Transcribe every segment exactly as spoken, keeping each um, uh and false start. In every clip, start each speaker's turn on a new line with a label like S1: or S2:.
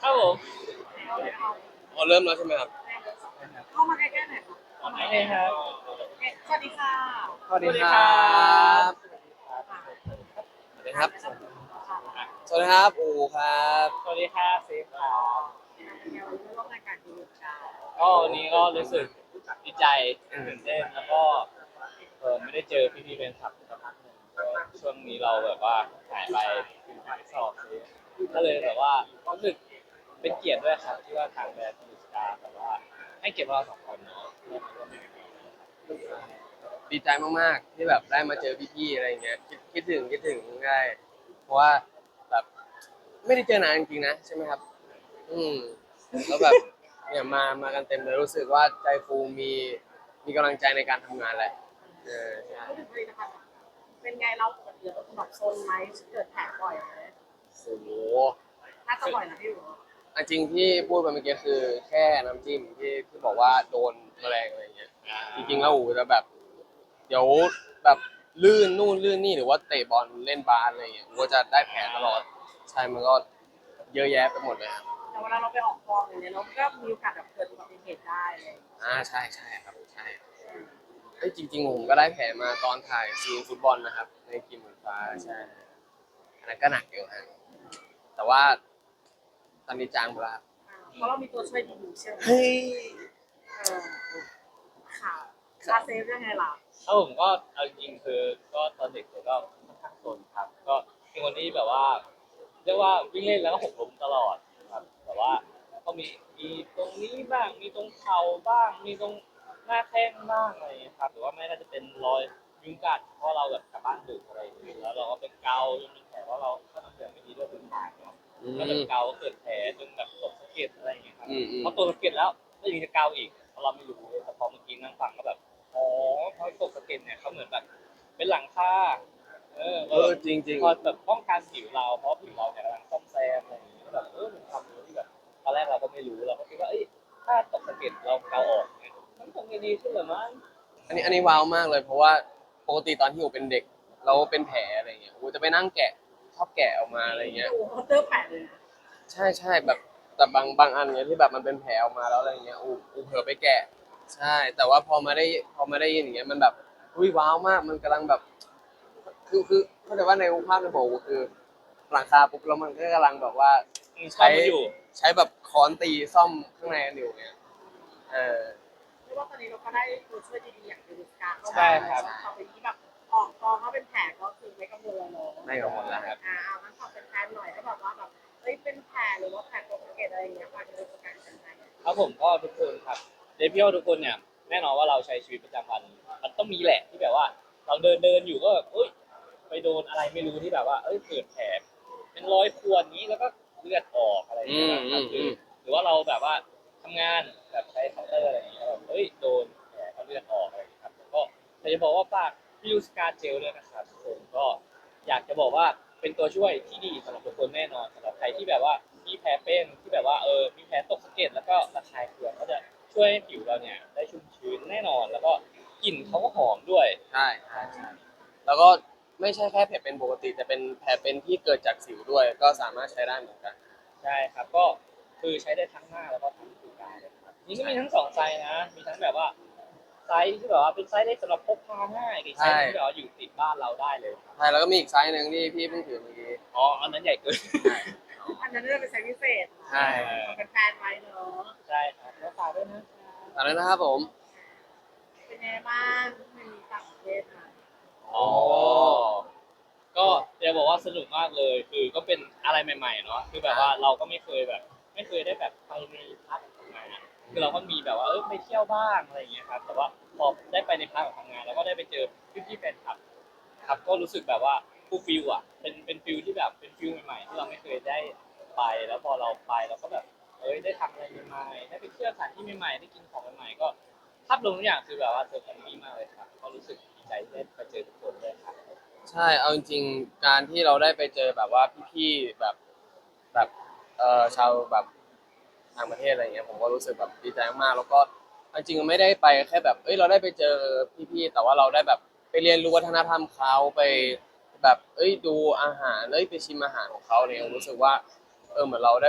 S1: ครับผม
S2: อ๋อเริ่มแล้วใช่ไหมครับ
S3: เข้ามาใกล้ๆหน่อยค่ะเข้า
S1: โอ
S3: มา
S1: เคครับ
S3: สวัสดีค่ะ
S2: สวัสดีครั
S1: สวัสดีครับ
S2: บ
S3: ค่ะ
S2: สวัสดีครับ
S3: ค่ะ
S2: สวัสดีครับอูครับ
S1: สวัสดีครับเซฟครับ
S3: เดี๋ยวร่วมรายการดีกัน
S1: ก็วันนี้ก็รู้สึกดีใจตื่นเต้นแล้วก็เออไม่ได้เจอพี่ๆเป็นคลับสักพักหนึ่งก็ช่วงนี้เราแบบว่าหายไปคือหายสอบเลยก็เลยแบบว่ารู้สึกเป็นเกียรติด้วยครับที่ว่าทางแบรนด์ยูสตาร์แบบว่าให้เกียรติเราสองคนเนาะร่วมมาร่วมงานกัน
S2: ดีใจมากๆที่แบบได้มาเจอพี่ๆอะไรเงี้ยคิดคิดถึงคิดถึงได้เพราะว่าแบบไม่ได้เจอนานจริงๆนะใช่ไหมครับอืมแล้วแบบเนี่ยมามากันเต็มเลยรู้สึกว่าใจฟูมีมีกำลังใจในการทำงานแหละเออใช่
S3: พูดถึงผลิตภัณฑ์เป็นไงเราปกติเราแบบโซนไหมเกิดแผลบ่อยไหม
S2: โอ้โห
S3: น่าจะบ่อยนะพี่อยู่
S2: อันจริงที่พูดไปเมื่อกี้คือแค่น้ำจิ้มที่ที่บอกว่าโดนแมลงอะไรเงี้ยจริงๆแล้วอูจะแบบเดี๋ยวแบบลื่นนู่นลื่นนี่หรือว่าเตะบอลเล่นบาสอะไรเงี้ยอูก็จะได้แผลตลอดใช่มันก็เยอะแยะไปหมดเลยครับ
S3: แต่เวลาเราไปออกกองอย่างเงี้ยเราก็มีโอกาสแบบเกิดอุบัติเหตุได้เลย
S2: อ่าใช่ใช่ครับใช่เฮ้ยจริงๆผมก็ได้แผลมาตอนถ่ายซีนฟุตบอลนะครับในกีมเหมือนฟ้าใช่อันนั้นก็หนักอยู่ฮะแต่ว่าตอนนี้จางไปแล้วครับ
S3: เพราะเรามีตัวช่วยดีๆใช่ไหม
S2: เฮ้ย
S3: เออค่ะคาเซฟยังไงล่ะ
S1: ถ้าผมก็เอาจริงๆคือก็ตอนเด็กผมก็ค่อนข้างสนครับก็เป็นคนที่แบบว่าเรียกว่าวิ่งเล่นแล้วก็หกล้มตลอดครับแต่ว่าก็มีมีตรงนี้บ้างมีตรงเข่าบ้างมีตรงหน้าแข้งบ้างอะไรอย่างเงี้ยครับหรือว่าไม่ก็จะเป็นรอยยุงกัดเพราะเราแบบกลับบ้านดึกอะไรอย่างเงี้ยแล้วเราก็เป็นเกาจนมีแผลเพราะเราก็ทำเสียงไม่ดีด้วยเป็นหางเนาะ
S2: อื
S1: ก็แบบ
S2: ม
S1: เกาเกิดแผลจนแบบตกสะเก็ดอะไรอย่างเงี้ยครับ
S2: อืมอืม
S1: พอตกสะเก็ดแล้วก็ยังจะเกาอีกเพราะเราไม่รู้แต่พอเมื่อกี้นั่งฟังก็แบบ อ๋อเพราะตกสะเก็ดเนี่ยเขาเหมือนแบบเป็นหลังคาเออ
S2: เออจริง
S1: พอแบบป้องกันผิวเราเพราะผิวเราเนี่ยกำลังซ่อมแซมอะไรอย่างเงี้ยแบบเออเป็นความรู้ที่แบบตอนแรกเราก็ไม่รู้เราก็คิดว่าเอ้ยถ้าตกสะเก็ดเราเกาออกเนี่ยมันคงจะดีขึ้นเหรือมั้ง
S2: ๆอันนี้อันนี้ว้าวมากเลยเพราะว่าปกติตอนที่อูเป็นเด็กเราเป็นแผลอะไรเงี้ยอูจะไปนั่งแกะชอบแกะออกมาอะไรเงี้ย
S3: ดูเขาเจอแผลเลยนะ
S2: ใช่ใช่แบบแต่บางบางอันเนี้ยที่แบบมันเป็นแผลออกมาแล้วอะไรเงี้ยอูอูเผลอไปแกะใช่แต่ว่าพอมาได้พอมาได้ยินอย่างเงี้ยมันแบบอุ้ยว้าวมากมันกำลังแบบคือคือเข้าใจว่าในภาพในหัวอูคือหลังคาปุ๊บแล้วมันก็กำลังแบบว่า
S1: อืมชอบ
S2: ใช้
S1: มาอยู่
S2: ใช้แบบค้อนตีซ่อมข้างในกันอยู่เงี้ยเออ
S3: เรียกว่าตอนนี้เราก็ได้ตัวช่วยดีๆอย่างยูริสกาเข้ามา
S1: ใช่ครับ
S3: ต่อไปนี้แบบออกกองเขาเป็นแผลก็คือไม่กังวลแล้วเนาะ
S2: ไม่กังวลแล้วครับ
S3: อ่าเอางั้นขอเป็นแฟนหน่อยถ้าแบบว่าแบบเอ้ยเป็นแผลหรือว่าแผลตกสะเก็ดอะไรอย่างเงี้ยฝากจะเป็นประกันยังไง
S1: ครับผมก็ทุกคนครับเดพี่ว่าทุกคนเนี่ยแน่นอนว่าเราใช้ชีวิตประจำวันมันต้องมีแหละที่แบบว่าเราเดินเดินอยู่ก็แบบเอ้ยไปโดนอะไรไม่รู้ที่แบบว่าเอ้ยเกิดแผลเป็นรอยข่วนนี้แล้วก็เลือดออกอะไรอย่างเงี้ยนะครับหรือหรือว่าเราแบบว่าทำงานแบบใช้เคาน์เตอร์อะไรอย่างเงี้ยแบบเอ้ยโดนแผลเขาเลือดออกอะไรอย่างเงี้ยครับก็อยากจะบอกว่าฝากพี่ยูสกาเจลด้วยนะครับทุกคนก็อยากจะบอกว่าเป็นตัวช่วยที่ดีสำหรับทุกคนแน่นอนสำหรับใครที่แบบว่า มีแผลเป็นที่แบบว่าเออมีแผลตกสะเก็ดแล้วก็ระคายเคืองก็จะช่วยให้ผิวเราเนี่ยได้ชุ่มชื้นแน่นอนแล้วก็กลิ่นเขาก็หอมด้วย
S2: ใช่ใช่ใช่แล้วก็ไม่ใช่แค่แผลเป็นปกติแต่เป็นแผลเป็นที่เกิดจากสิวด้วยก็สามารถใช้ได้เหมือนกัน
S1: ใช่ครับก็คือใช้ได้ทั้งหน้าแล้วก็ทั้งผิวกายเลยครับนี่ก็มีทั้งสองไซส์นะมีทั้งแบบว่าไซส์ที่แบบว่าเป็นไซส์เล็กสำหรับพกพาง่ายกับอีกไซส์หนึงที่แบบว่าอยู่ติดบ้านเราได้เลยครับ
S2: ใช่แล้วก็มีอีกไซส์หนึ่งที่พี่เพิ่งถือเมื่อกี้
S1: อ๋ออันนั้นใหญ่เกิน
S2: ใช่
S3: อันนั้นจะเป็นไซส์พิเศษ
S2: ใช่
S3: เป็นแฟนไว้เนาะ
S1: ใช่ครับแล้วฝากด้วยนะ
S2: ตอนนั้นนะครับผม
S3: เป็นไงบ้างมันมีต่างประเทศมา
S1: อ๋อ ก็จะบอกว่าสนุกมากเลยคือก็เป็นอะไรใหม่ๆเนาะคือแบบว่าเราก็ไม่เคยแบบไม่เคยได้แบบไปในพาร์ทของงานอะคือเราก็มีแบบว่าเออไปเที่ยวบ้างอะไรอย่างเงี้ยครับแต่ว่าพอได้ไปในพาร์ทของทำงานแล้วก็ได้ไปเจอพี่ๆแฟนคลับครับก็รู้สึกแบบว่าฟูลฟิลอ่ะเป็นเป็นฟิลที่แบบเป็นฟิลใหม่ๆที่เราไม่เคยได้ไปแล้วพอเราไปเราก็แบบเอ้ยได้ทำอะไรใหม่ๆได้ไปเที่ยวสถานที่ใหม่ๆได้กินของใหม่ๆก็ภาพรวมทุกอย่างคือแบบว่าเซอร์ไพรส์มากเลยครับก็รู้สึกดีใจที่ได้ไปเจอทุกคนด้วยครับ
S2: ใช่เอาจริงๆการที่เราได้ไปเจอแบบว่าพี่ๆแบบแบบเอ่อชาวแบบต่างประเทศอะไรเงี้ยผมก็รู้สึกแบบดีใจมากๆแล้วก็เอาจริงๆไม่ได้ไปแค่แบบเอ้ยเราได้ไปเจอพี่ๆแต่ว่าเราได้แบบไปเรียนรู้วัฒนธรรมเขาไปแบบเอ้ยดูอาหารเอ้ยไปชิมอาหารของเขาเนี่ยรู้สึกว่าเออเหมือนเราได้แบบ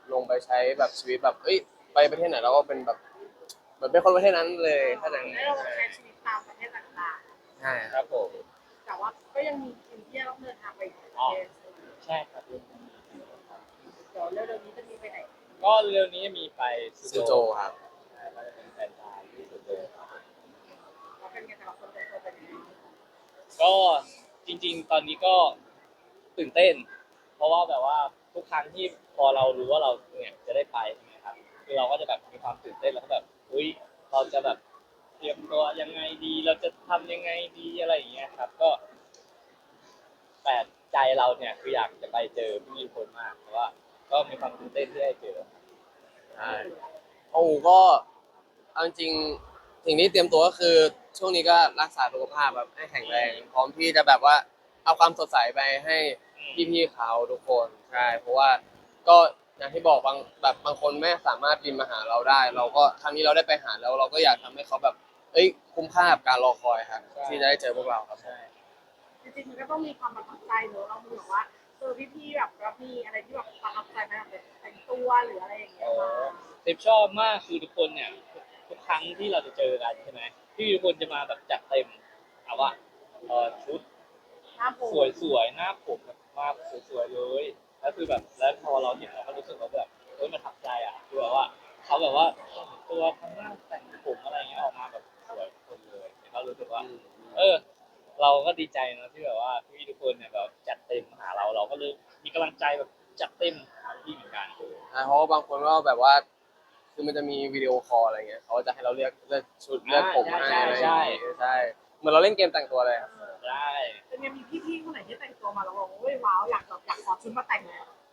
S2: ลงไปใช้แบบชีวิตแบบเอ้ยไปประเทศไหนเราก็เป็นแบบเหมือนเป็นคนประเทศนั้นเลยถ้าอย่าง
S3: ได้เราใช้ชีวิตตามประเทศต่าง
S2: ใช่
S1: ครับผม
S3: ๆแต่ว่าก็ยังมีทีมที่ต้องเดินทางไปอีกประเทศ
S1: ใช่ครับ
S3: เดี๋ยวเร็วๆนี้จะมีไปไหน
S1: ก็เร็วนี้มีไป
S2: ซูโจครับ
S1: ใช่ก็จะเป็นแฟนตายที่ซูโจครับ
S3: เราเป็นกันแต่ละคนเป็นตัวเป็นยังไง
S1: ก็จริงๆ ตอนนี้ก็ตื่นเต้น เพราะว่าแบบว่าทุกครั้งที่พอเรารู้ว่าเราเนี่ยจะได้ไปใช่ไหมครับคือเราก็จะแบบมีความตื่นเต้นแล้วก็แบบอุ้ยเราจะแบบเตรียมตัวยังไงดี เราจะทำยังไงดีอะไรอย่างเงี้ยครับ ก็แต่ใจเราเนี่ยคืออยากจะไปเจอพี่ๆคนมากเพราะว่าก็มีความตื่นเต้นที่ได้เจอ
S2: ใช่โอ้ก็เอาจริงๆสิ่งที่เตรียมตัวก็คือช่วงนี้ก็รักษาสุขภาพแบบให้แข็งแรงพร้อมที่จะแบบว่าเอาความสดใสไปให้พี่ๆเขาทุกคนใช่เพราะว่าก็อย่างที่บอกบางแบบบางคนไม่สามารถบินมาหาเราได้ เราก็ครั้งนี้เราได้ไปหาแล้ว เราก็อยากทำให้เขาแบบเอ้ยคุ้มค่ากับการรอคอยครับ
S1: ใช่
S2: ที่จะได้เจอพวกเราครับ
S1: ใช่
S3: จริงๆมันก็ต้องมีความประทับใจเนอะเราเหมือนว่าเจอพี่ๆแบบแล้วมีอะไรที่แบบประทับใจไหมแบบแต่งตัวหรืออะไรอย่างเงี้ยมา
S1: เซฟชอบมากคือทุกคนเนี่ยทุกครั้งที่เราจะเจอกันใช่ไหมพี่ทุกคนจะมาแบบจัดเต็มเอาว่าเออชุด
S3: หน้าผม
S1: สวยๆหน้าผมแบบมาสวยๆเลยแล้วคือแบบแล้วพอเราเห็นเราก็รู้สึกว่าแบบเฮ้ยมันทับใจอ่ะคือแบบว่าเขาแบบว่าแต่งตัวทำหน้าแต่งผมอะไรเงี้ยออกมาแบบสวยทุกคนเลยแล้วก็รู้สึกว่า เออ เราก็ดีใจนะที่แบบว่าพี่ทุกคนเนี่ยแบบจัดเต็มมาหาเราเราก็เลยมีกำลังใจแบบจัดเต็มหาพี่เหมือนกัน
S2: อ่าเพราะว่าบางคนก็แบบว่า คือมันจะมีวิดีโอคอลอะไรเงี้ยเขาจะให้เราเลือกเลือกชุดเลือกผมให้อะไรอย่างเงี้ยใช่เหมือนเราเล่นเกมแต่งตัวเลยครับ
S1: ได้
S3: เป็นไงมีพี่ๆคนไหนที่แต่งตัวมาแล้วบอกว่าเฮ้ยว้าวอยากแบบอยากขอชุดมาแต่งเลย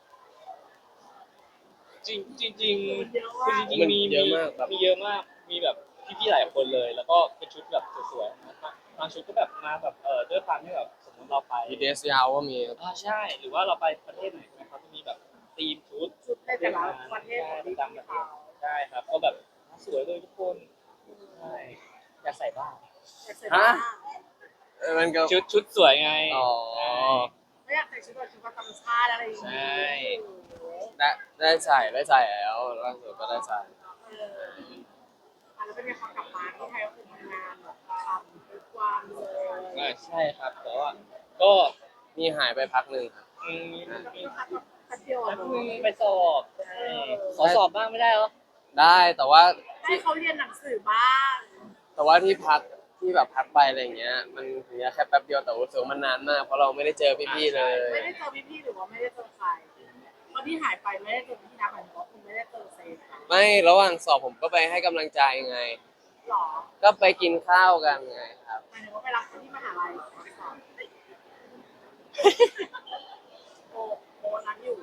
S1: จริงจริงจริง
S3: มันเยอะ
S1: คือ
S3: มาก
S1: จริงๆมี
S2: เยอะมากแบบ
S1: มีเยอะมากมีแบบพี่ๆหลายคนเลย แล้วก็เป็นชุดแบบสวยๆนะบางชุดก็แบบมาแบบเออด้วยความที่แบบสมมติเราไป
S2: มีเดสยาวก็มี
S1: อ่าใช่หรือว่าเราไปประเทศไหนใช่ไหมเขาจะมีแบบธีมชุด
S3: ชุดในแต่ละประเทศของ
S1: ประ
S3: พี่
S1: จำประเท
S3: เขา
S1: ศใช่ครับก็แบบสวยเลยทุกคนใช่อยากใส่บ้าง
S3: แต่เสร็จแล้ว
S2: เออมันก็
S1: ชุดชุดสวยไง
S2: อ๋อ
S3: ไม่อยากใส่ชุดแบบชุดประจำชาติอะไรอย่าง
S1: ใช
S3: เงี้
S1: ่
S2: ได้ได้ใส่ได้ใส่แล้วล่าสุดก็ได้ใส่
S3: เอออ่ะแล้วเป็นไงพอกลับมาที่ไทยก็คือทำงานแบบทำทุกวันเลย
S1: อ่าใช่ครับแต่ว่าก็
S2: มีหายไปพักหนึ่งครับ
S1: อืมมี
S3: ก็คือพักแบบแป๊บเดียวอะ
S1: แล้ว
S3: เน
S1: มึง
S3: อะ
S1: ไปสอบใช่ขอสอบบ้างไม่ได้เหรอ
S2: ได้แต่ว่า
S3: ให้เขาเรียนหนังสือบ้าง
S2: แต่ว่าที่พักที่แบบพักไปอะไรอย่างเงี้ย มันถึงจะแค่แป๊บเดียวแต่รู้สึกว่ามันนานมากเพราะเราไม่ได้เจอพี่ๆเลย
S3: ไม่ได้เจอพี่ๆหรือว่าไม่ได้เจอใครตอนที่หายไปไม่ได้เจอพี่นะหมายถึงว่าคุณไม่ได้เจอเซฟค่ะ
S2: ไม่ระหว่างสอบผมก็ไปให้กำลังใจไง
S3: หรอ
S2: ก็ไปกินข้าวกันไงครับ
S3: หมายถึงว่าไปรับคนที่มหาลัยสอนโอโอนั้นอยู่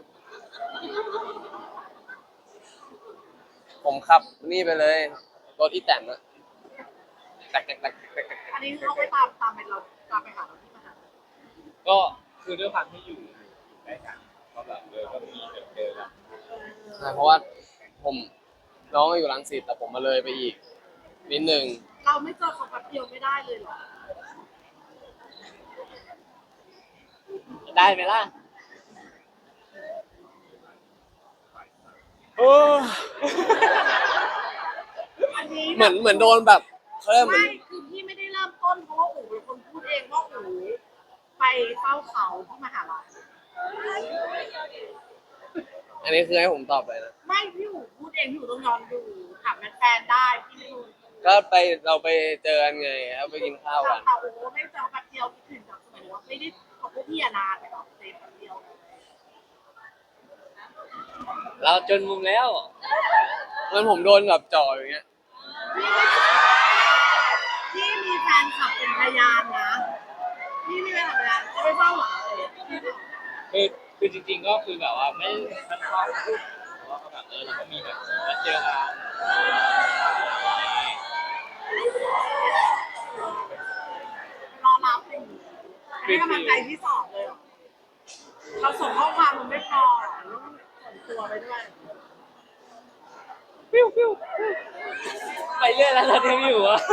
S2: ผมขับนี่ไปเลยรถอีแตนอะแตกแตกแตกแตกแตก
S3: อันนี้คือเขาไปตามตามไปเราตามไปหาเราที่มหาลัย
S1: ก็คือด้วยความที่อยู่อยู่ใกล้กันก็แบบเออก็มีแบบเจอกัน
S2: ใช่เพราะว่าผมน้องอยู่รังสิตแต่ผมมาเลยไปอีกนิดนึง
S3: เราไม่เจอเขาแป๊บเดียวไม่ได้เลยเหรอ
S1: ได้ไหมล่ะ
S2: โอ้
S3: อันนี้
S2: เหมือนเหมือนโดนแบบเขาเรียกเหมือน
S3: ไม่คือพี่ไม่ได้เริ่มต้นเพราะว่าอู๋เป็นคนพูดเองว่าอู๋ไปเฝ้าเขาที่มหาลัย
S2: อันนี้คือให้ผมตอบเลยนะ
S3: ไม่พี่อู๋พูดเองพี่อู๋ต้องย้อนดูถามแฟนๆได้พี่ไม่รู้
S2: ก็ไปเราไปเจอกันไงแล้วไปกินข้าว
S3: แต่
S2: กัน
S3: แต่อู๋ไม่เจอแป๊บเดียวคิดถึงแบบสมัยว่าไม่ได้ของพวกพี่อะนานไปหรอกเซฟแป๊บเดียว
S1: เราจนมุมแล้ว
S2: มันผมโดนแบบจ่ออย่างเงี้ย
S3: พี่มีแฟนคลับเป็นพยานนะพี่มีแฟนคลับเป็นพยานเขาไม่เฝ้าหรอเลย
S1: คือคือจริงๆก็คือแบบว่าไม่ค่อนข้างพูดแต่ว่าก็แบบเออเราก็มีแบบมาเจอกัน
S3: รอรับอย่างนี้ให้กำลังใจที่สอบเลยเหรอเราส่งข้อความมันไม่พอหรอต้องส่งตัวไปด้วย
S1: ปิ้วปิ้วไปเรื่อยแล้วเราเที่ยวอยู่อะ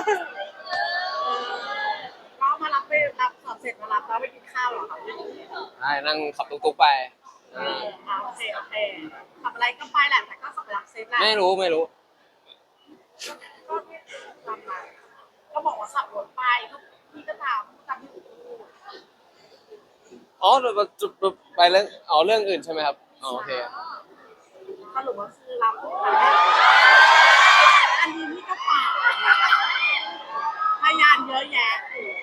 S3: ก็มารับไปรับสอบเสร็จมารับแล้วไปกินข้าวเหรอคะ
S2: ใช่นั่งขับตุ๊กๆไป
S3: เอออ่าโอเคโอเคขับอะไรก็ไปแหละ
S2: ไม่รู้ไม่รู้
S3: ก็ทำมาก็บอกว่าขับรถไปก็พี่ก็ถามตามที่หนูพูด
S2: อ๋อเราจุดไปเรื่องอ๋อเรื่องอื่นใช่ไหมครับอ๋อโอเค
S3: สรุปว่าคือรับอันนี้นี่ก็เปล่าพยานเยอะแยะโอ้โห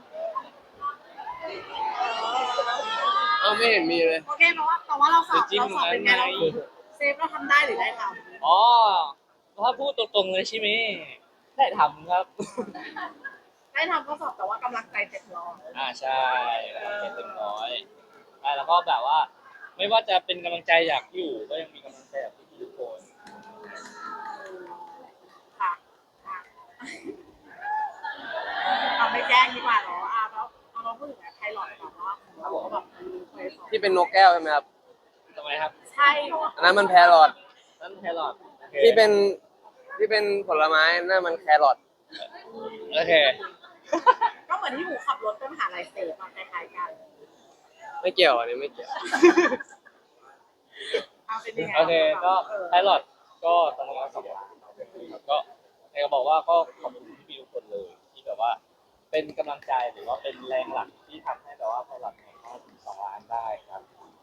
S2: เอ้าไม่เห็นมีเลย
S3: โอเคเพราะว่าแต่ว่าเราสอบ
S1: จะจิ้ม
S3: เราสอบเป็นไง
S1: ไหม
S3: เราเซฟเราทำได้หรือได้ท
S1: อ๋อถ้าพูดตรงๆเลยใช่ไหมได้ทำครับ
S3: ำได้ทำก็สอบแต่ว่ากำลังใจเต็มร้อย
S1: อ่าใช่เต็มร้อยใช่แล้วก็แบบว่า ไม่ว่าจะเป็นกำลังใจอยากอยู่ก็ยังมีกำลังใจจากพี่ๆทุกคน
S3: ค่ะค่ะเราไม่แจ้งดีกว่าเหรออ่ะแล้วเอามาพูดถึงไพลอตก่อนว่าเขาบอกว่าแบบมันมีเคยสอบ
S2: ที่เป็นนกแก้วใช่ไหมครับ
S1: ทำไมครับ
S3: ใช่
S2: อันนั้นมันแพรอท
S1: นั่นแครอทโอเค
S2: ที่เป็นที่เป็นผลไม้นั่นมันแครอท
S1: โอเค
S3: ก็เหมือนที่หนูขับรถไปมหาลัยเซฟมาคล้ายๆกัน
S2: ไม่เกี่ยวอันนี้ไม่เกี่ยว
S3: เอาเป็นยังไง
S1: โอเคก็
S3: เออ
S1: ไพลอตก็ตอนนั้นก็สองล้านก็ใครก็บอกว่าก็ขอบคุณพี่ๆทุกคนเลยที่แบบว่า เป็นกำลังใจหรือว่าเป็นแรงหลักที่ทำให้แบบว่าไพลอตเนี่ยเข้าถึงสองล้านได้ครับ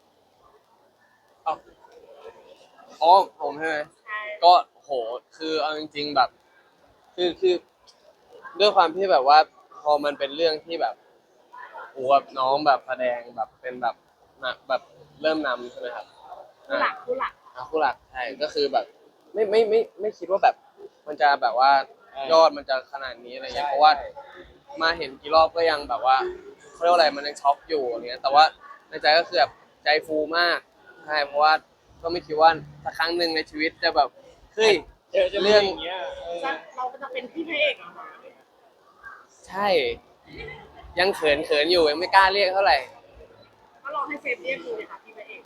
S2: อ๋อผมใช่ไหม
S3: ใช่
S2: ก็โหคือเอาจริงๆแบบ คือคือด้วยความที่แบบว่าพอมันเป็นเรื่องที่แบบโอ้แบบน้องแบบแสดงแบบเป็นแบบนะแบบเริ่มนำใช่ไหมครับ
S3: ผู้หลักผู้หลัก
S2: อ่ะคู่หลักใช่ก็คือแบบ ไม่ไม่ไม่ไม่คิดว่าแบบ มันจะแบบว่า
S1: เออ
S2: ยอดมันจะขนาดนี้อะไรเงี้ย
S1: ใช่
S2: เพราะว่ามาเห็นกี่รอบก็ยังแบบว่าเขาเรียกว่าอะไรมันยังช็อกอยู่อย่างเงี้ยแต่ว่าในใจก็คือแบบใจฟูมากใช่เพราะว่าก็ไม่คิดว่าสักครั้งหนึ่งในชีวิตจะแบบเฮ้ย
S1: เจอจะ
S2: เรื่
S1: เรื่
S2: อ
S1: อง งอย่างเงี้ยเออ
S3: จะเราจะเป็นพี่พระเอกเหรอคะ
S2: ใช่ ยังเขินเขินอยู่ยังไม่กล้าเรียกเท่าไหร่
S3: ก็ลองให้เซฟเรียกดูเลยค่ะพี่พระเอก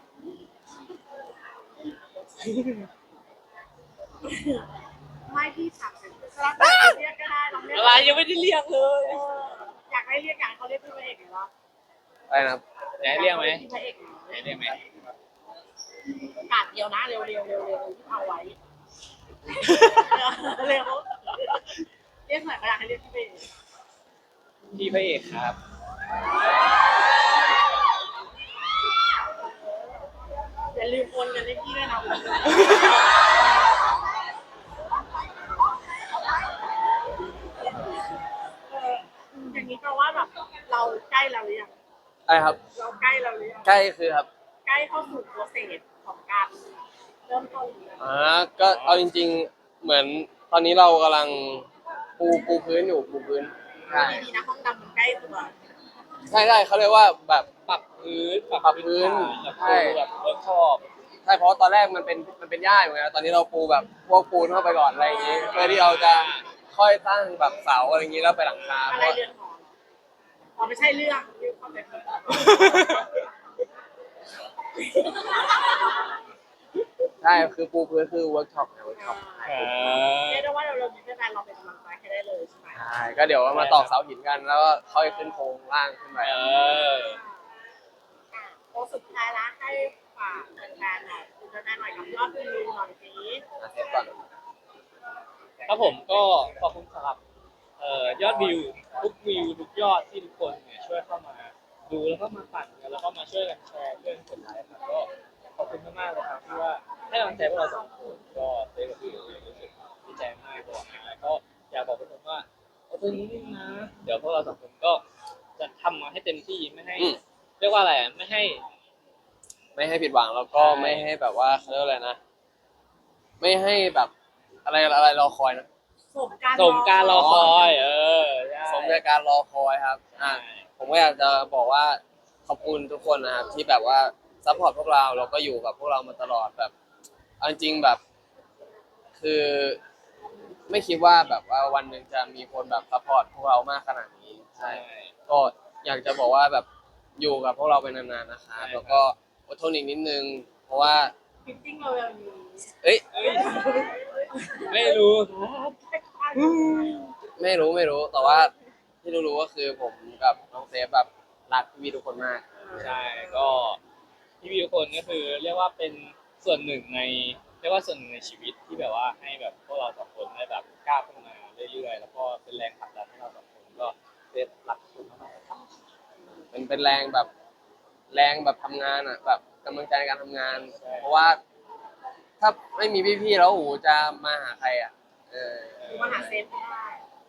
S3: ไม่พี่ถามเป็นแล้วแต่เรียกก็ได้ลองเรียก
S1: อะไรยังไม่ได้เรียกเลย
S3: เอออยากให้เรียกอย่างเขาเรียกพี่พระเอกหรือเปล่า
S2: อะไรนะครับ
S1: อยากให้เรียกไหม
S3: พี่พระเอกหน่
S1: อยากให้เรียกไหม
S3: กาดเดียวนะเร็วเร็วเร็วเร็วที่เอาไว้เร็วเรียกหน่อยก็อยากให้เรียกพี่พระเอก
S1: พี่พระเอกครับ
S3: อย่าลืมโอนเงินให้พี่ด้วยนะเอออย่างนี้แปลว่าแบบเราใกล้เราหรือยัง
S2: อะไรครับ
S3: เราใกล้เราหรือยัง
S2: ใกล้คือครับ
S3: ใกล้เข้าสู่โปรเซสของการเริ่มต้นแล้ว
S2: อ่าก็เอาจริง ๆ เหมือนตอนนี้เรากำลังปูปูพื้นอยู่ปูพื้นใช่
S3: ดีๆนะห้องดำมันใกล้ตัว
S2: ใช่ใช่เขาเรียกว่าแบบ
S1: ปรับพื้น
S2: ปรับพื้น
S1: แบบ
S2: ใช่
S1: แบบเวิร์กช็อป
S2: ใช่เพราะตอนแรกมันเป็นมันเป็นหญ้าอยู่ไงตอนนี้เราปูแบบพวกปูนเข้าไปก่อนอะไรอย่างงี้เพื่อที่เราจะค่อยตั้งแบบเสาอะไรอย่างงี้แล้วไปหลังคา
S3: อะ
S2: เพ
S3: ไร
S2: ราะ
S3: เรื่องหออ๋อไม่ใช่เรื่องเรื่องความเป็น
S2: ใช่คือปูพื้นคือเวิร์กช็อปไงเวิร์กช็อป
S1: อ่า
S3: เรียกได้ว่าเราเรามีแฟนเราเป็นกำลังใจให้ได้เลยใช่ไหม
S2: ใช่ก็เดี๋ยวมาตอกเสาหินกันแล้วก็ค่อยขึ้นโครงล่างขึ้นไป
S1: เออ
S3: อ่ะโค้งสุดท้ายละให้ฝากแฟนๆหน่อยคุณแฟนๆหน่อยกับยอดวิวหน่อยสิ
S2: อ่ะเซฟก่อน
S1: ครับผมก็ขอบคุณสำหรับเอ่อยอดวิวทุกวิวทุกยอดที่ทุกคนเนี่ยช่วยเข้ามาดูแล้วก็มาปั่นกันแล้วก็มาช่วยกันแชร์ช่วยกันกดไลค์ครับก็ขอบคุณมากๆเลยครับที่ว่าให้กำลังใจพวกเราสองคนก็เต้กับวิวรู้สึกดีใจมากบอกแล้วก็อยากบอกทุกคนว่าเอาตัวนี้นะ เดี๋ยวพวกเราสองคนก็จะทำมาให้เต็มที่ไม่ให้
S2: อืม
S1: เรียกว่าอะไรอ่ะไม่ให้
S2: ไม่ให้ผิดหวังแล้วก็ไม่ให้แบบว่าเขาเรียกว่าอะไรนะ ไม่ให้แบบอะไรอะไรรอคอยนะ
S3: สมการ
S1: สมการรอคอย เออใช่
S2: สมกับการรอคอยครับอ่ะผมก็อยากจะบอกว่าขอบคุณทุกคนนะครับที่แบบว่าซัพพอร์ตพวกเราแล้วก็อยู่กับพวกเรามาตลอดแบบเอาจริงๆแบบ คือไม่คิดว่าแบบว่าวันหนึ่งจะมีคนแบบซัพพอร์ตพวกเรามากขนาดนี้ใช่
S1: ใช่
S2: ก็อยากจะบอกว่าแบบอยู่กับพวกเราไปนานๆนะครับแล้วก็อดทนอีกนิดนึง เพราะว่า
S3: ฟิตติ้งเราเร็วนี้
S2: เอ้ย
S1: เอ้ยไม่รู้ครับ
S2: ไม่รู้ไม่รู้ แต่ว่าที่รู้ๆก็คือผมกับน้องเซฟแบบรักพี่ๆทุกคนมาก
S1: ใช่ก็พี่วิวคนก็คือเรียกว่าเป็นส่วนหนึ่งในเฟรียกว่าส่วนหนึ่งในชีวิตที่แบบว่าให้แบบพวกเราสองคนได้แบบก้าวขึ้นมาเรื่อยๆแล้วก็เป็นแรงผลักดันให้เราสองคนก็ได้รักคุณมากๆครับ
S2: มันเป็นแรงแบบแรงแบบทำงานอ่ะแบบกำลังใจในการทำงาน เพราะว่าถ้าไม่มีพี่ๆแล้วโอ้โหจะมาหาใครอ่ะเออ
S3: หรือมาหาเซฟก็ได้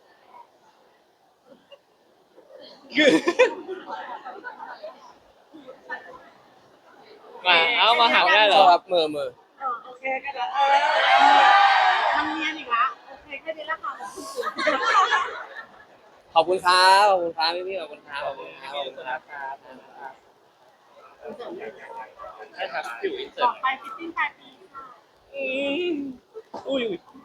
S1: มาเอามาหาได้เหรอ
S2: ครับมือมือ
S3: เออโอเคกันแล้วเออมันเนียนอีกละโอเคแค่นี้ละค่ะขอบคุณ
S2: ขอบคุณครับขอบคุณครับพี่ๆขอบคุณครับขอบคุณครับ
S1: ขอบคุณครับครับครับ
S3: คุณเสริมเลย
S1: ใช่ครับอยู่อินเสิ
S3: ต่
S1: ร์
S3: อ
S1: ต
S3: ไปฟิตติ้งปลายปีค่ะ
S1: อุ้ยอุ้ย